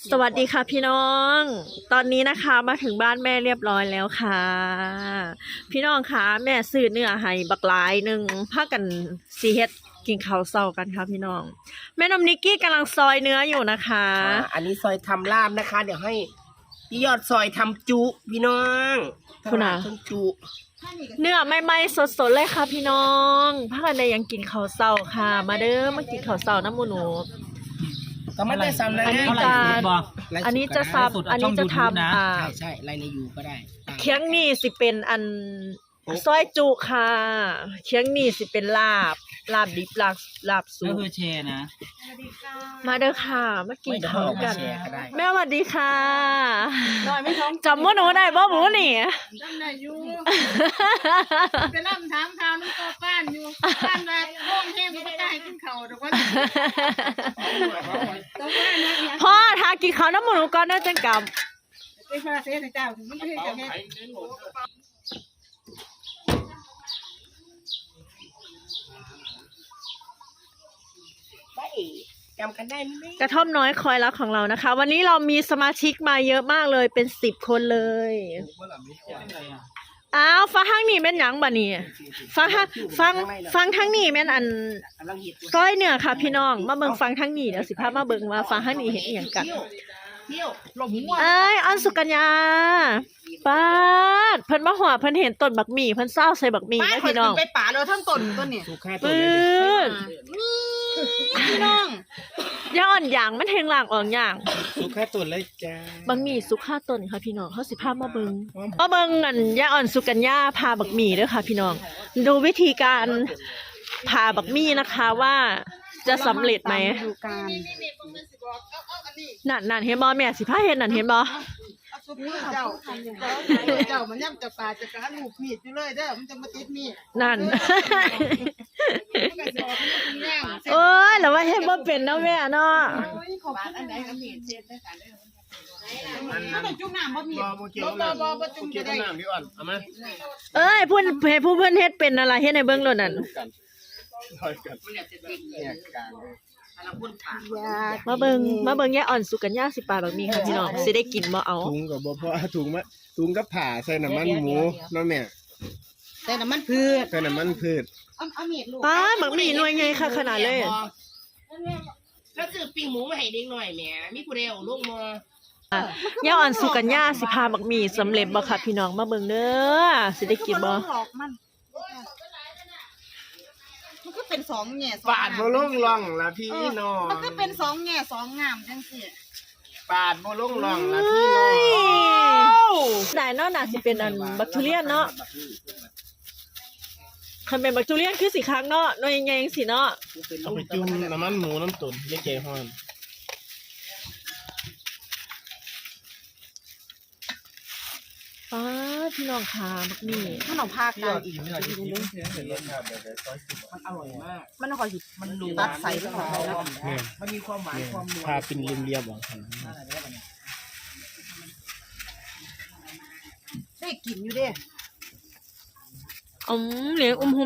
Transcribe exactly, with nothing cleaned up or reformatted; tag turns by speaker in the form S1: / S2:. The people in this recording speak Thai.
S1: สวัสดีค่ะพี่น้อง ตอนนี้นะคะมาถึงบ้านแม่เรียบร้อยแล้วค่ะ พี่น้องคะแม่ซื้อเนื้อให้บักหลายหนึ่งพากันซีเฮ็ดกินข้าวเช้ากันค่ะพี่น้อง แม่นมนิกกี้กำลังซอยเนื้ออยู่นะคะ
S2: อ่าอันนี้ซอยทำลาบนะคะ เดี๋ยวให้พี่ยอดซอยทำจุพี่น้อง
S1: คุณอ่ะ
S2: ทำจุ
S1: เนื้อใหม่ๆสดๆเลยค่ะพี่น้องพากันได้ยังกินข้าวเช้าค่ะ มาเด้อมากินข้าวเช้าน้ำหมูหนู
S2: ก็ไม่ได้ซ้ำนะ
S1: อันนี้
S2: ไล
S1: จะ
S2: ฟ์สด
S1: อันนี้จะซับอันนี้จะทำอ่า
S2: ใช่ใช่ไลน์ในยูก็ได้
S1: เคียงนี่สิเป็นอันซอยจุค่ะเคียงนี่สิเป็นลาบลาบดิบลาบลาบสุ
S3: ก็
S1: ก
S3: คือแชร์นะ
S1: มาเด้อค่ะมากินข้าวกัน
S2: แชร์ก็ได้
S1: แม่สวัสดีค่ะ
S4: น้อยไม่ท้อง
S1: จำว่าหนูได้บ่หมูนี่
S4: จำได้อยู่ไปล่ำถามข่าวน้ำตัวป้านอยู่ป้านมาโค้งแห้งก็ไม่ได้ขึ้นเขาแต่ว่าต้องว่านะเนี่ย
S1: พ่อทากินข้าวน้ำหมูหนูก่อนเด้อจังกลับ
S4: ไปฟาเซ่เจ้าถึงมันไม่ใช่จะแห้ง
S2: ได้จำกันได้ไหม
S1: กระท่อมน้อยคอยรักของเรานะคะ วันนี้เรามีสมาชิกมาเยอะมากเลยเป็นสิบคนเลยอ้าวฟังทางนี้แม่นหยังบ่นี่ฟังทางฟังฟังทางนี้แม่นอัน
S2: กำลังเห็ด
S1: ก้อยเนื้อค่ะพี่น้องมาเบิ่งฟังทั้งนี้เดี๋ยวสิพามาเบิ่งว่าฟังทั้งนี้เห็นอีหยังกัน
S2: เที่ยวเที่ยวหลงหัว
S1: เอ้ยอันสุกัญญาป้าดเพิ่นมาหัวเพิ่นเห็นต้นบักหมี่เพิ่นเศร้าใส่บักหมี่นะพี่น้อง
S4: ไปป่าเลยทั้งต้นต้นเนี่ย
S2: สุขาตัว
S1: ปื
S2: เลย
S1: ๊ด
S4: พี่น้อง
S1: ย่าอ่อนหยางมันแทงหลางอ่อนหยาง
S2: สุขาตัวเลยจ้า
S1: บักหมี่สุกห้าต้นค่ะพี่น้องเฮาสิพามาเบิ่งมาเบิ่งอันย่าอ่อนสุกัญญาพาบักหมี่เด้อค่ะพี่น้อง ดูวิธีการพาบักหมี่นะคะว่าจะสำเร็จไหม
S4: ดูการ
S1: นั่นนั่นเห็นบ่แม่สิพาเฮ็ดนั่นเห็นบ่
S4: เจ้าเจ้ามันย่ำจะป่าจะกระลูกมีดอยู่เลยเด้อมันจะมาติดมีด
S1: นั่น
S4: มันก็จะออกเป็นแง่ง
S1: โอ้ยแล้วว่าเฮ็ดบ่เป็นเนาะแม่เนาะ
S4: ขอบคุณอันไหนอันนี้เช็ดได้กันเลยมันต้องจุ่มน้ำบ่มีบ่บ่บ่บ่จุ่มจะได้
S2: พี่อ่อนเอามา
S1: เอ้ยเพิ่นให้ผู้เพิ่นเฮ็ดเป็นนั่นล่ะเฮ็ดให้เบิ่งโลดนั่น
S2: เนี่ยกลางเลย
S1: มาเบิ่งมาเบิ่งยายอ่อนสุกัญญาสิปาบักมีค่ะพี่น้องสิได้กินบ่เอา
S5: ถุงกับบ่พอถุงมะถุงกับผ่าใส่น้ำมันหมูเนาะแม่
S4: แต่น้ำมันพืช
S5: ใส่น้ำมันพืช
S4: เอาเอามีดลูก
S1: ป้าบักหมี่หน่วยใหญ่ค่ะขนาดเลย
S2: แล้วซื้อปิ้งหมูมาให้เด็กหน่อยแหมมีผู้เดียวลูกมอย
S1: ายอ่อนสุกัญญาสิพาบักหมี่สำเร็จบ่ค่ะพี่น้องมาเบิ่งเด้อสิได้กินบ่
S4: หลอกมันมันก็เป็นสองแง่สอง
S5: ปาดบ่ลงร่องละพี่น้อง
S4: มันก็เป็นสองแง่สองงามจังสิ
S5: ปาดบ่ลงร่องละพี่น้อง
S1: ได้เนาะน่าสิเป็นอันบักทุเรียนเนาะคันเป็นบักทุเรียนคือสิคักเนาะหน่วยใหญ่ๆจังซี่เนาะ
S5: เอาไปจุ่มน้ำมันหมูน้ำตุ๋นไม่ใจฮ้อน
S1: ป้าพี่น้องค่ะบักหมี่
S4: ขนมภาคกลางอีก
S2: มันอร่อยมาก
S4: มันคอยหยิบ
S2: มันนัว
S4: ตัดใส่ไปก่อน
S5: แม่
S2: มันมีความหวานความนัว
S5: พาเป็นเรียบๆบ่
S4: ได้กินอยู่เด้
S1: อืมเหลียงอุ้ม